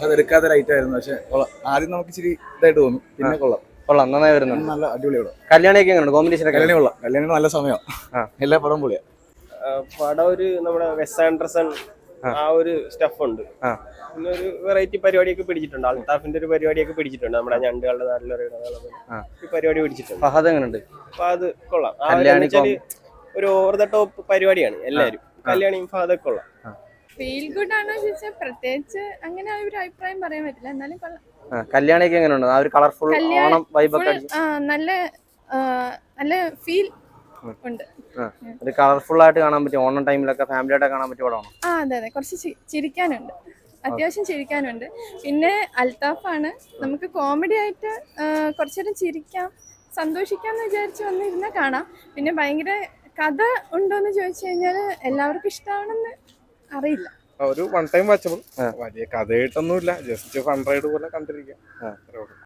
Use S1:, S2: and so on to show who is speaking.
S1: ഫഹദ് എടുക്കാത്ത ലൈറ്റ് ആയിരുന്നു. പക്ഷെ ആദ്യം നമുക്ക് ഇച്ചിരി ഇതായിട്ട് തോന്നും, പിന്നെ കൊള്ളാം.
S2: നന്നായി വരുന്നുണ്ട്.
S1: നല്ല അടിപൊളിയാണ്.
S2: കല്യാണിയൊക്കെ എങ്ങനെയുണ്ട്? കോമ്പിനേഷൻ ഒക്കെ
S1: കല്യാണി കൊള്ളാം. കല്യാണി നല്ല സമയം. എല്ലാ പടവും പൊളിയാ.
S3: പടം ഒരു നമ്മുടെ വെസ് ആൻഡർസൺ ആ ഒരു സ്റ്റഫ് ഉണ്ട്. പിന്നെ ഒരു വെറൈറ്റി പരിപാടിയൊക്കെ പിടിച്ചിട്ടുണ്ട്. അൽത്താഫിന്റെ ഒരു പരിപാടിയൊക്കെ പിടിച്ചിട്ടുണ്ട്. നമ്മുടെ ഞണ്ടുകളുടെ നാട്ടിലൊരു പരിപാടി പിടിച്ചിട്ടുണ്ട്.
S2: ഫഹദ് എങ്ങനെയുണ്ട്?
S3: അപ്പൊ അത് കൊള്ളാം. ഒരു ഓവർ ദ ടോപ്പ് പരിപാടിയാണ് എല്ലാരും. കല്യാണിയും ഫഹദൊക്കെ കൊള്ളാം.
S4: ഫീൽ ഗുഡ് ആണോ ചോദിച്ചാൽ പ്രത്യേകിച്ച് അങ്ങനെ ഒരു അഭിപ്രായം പറയാൻ പറ്റില്ല, എന്നാലും കൊള്ളാം.
S2: കല്യാണിയൊക്കെ എങ്ങനെയുണ്ട്? ആ ഒരു കളർഫുൾ ഓണം വൈബ് ഒക്കെ
S4: നല്ല നല്ല ഫീൽ ഉണ്ട്.
S2: ഒരു കളർഫുൾ ആയിട്ട് കാണാൻ പറ്റും. ഓണം ടൈമിലൊക്കെ ഫാമിലി ആയിട്ട് കാണാൻ പറ്റിയ പടമാണ്.
S4: അതെ അതെ, കുറച്ച് ചിരിക്കാനുണ്ട്, അത്യാവശ്യം ചിരിക്കാനുണ്ട്. പിന്നെ അൽത്താഫാണ്, നമുക്ക് കോമഡി ആയിട്ട് കുറച്ചേരം ചിരിക്കാം, സന്തോഷിക്കാന്ന് വിചാരിച്ച് വന്നിരുന്നാൽ കാണാം. പിന്നെ ഭയങ്കര കഥ ഉണ്ടോന്ന് ചോദിച്ചു കഴിഞ്ഞാൽ എല്ലാവർക്കും ഇഷ്ടമാണെന്ന് അറിയില്ല.
S5: ഒരു വൺ ടൈം വാച്ചബിൾ. വലിയ കഥയായിട്ടൊന്നുമില്ല, ജസ്റ്റ് ഫൺ റൈഡ് പോലെ കണ്ടിരിക്കാം.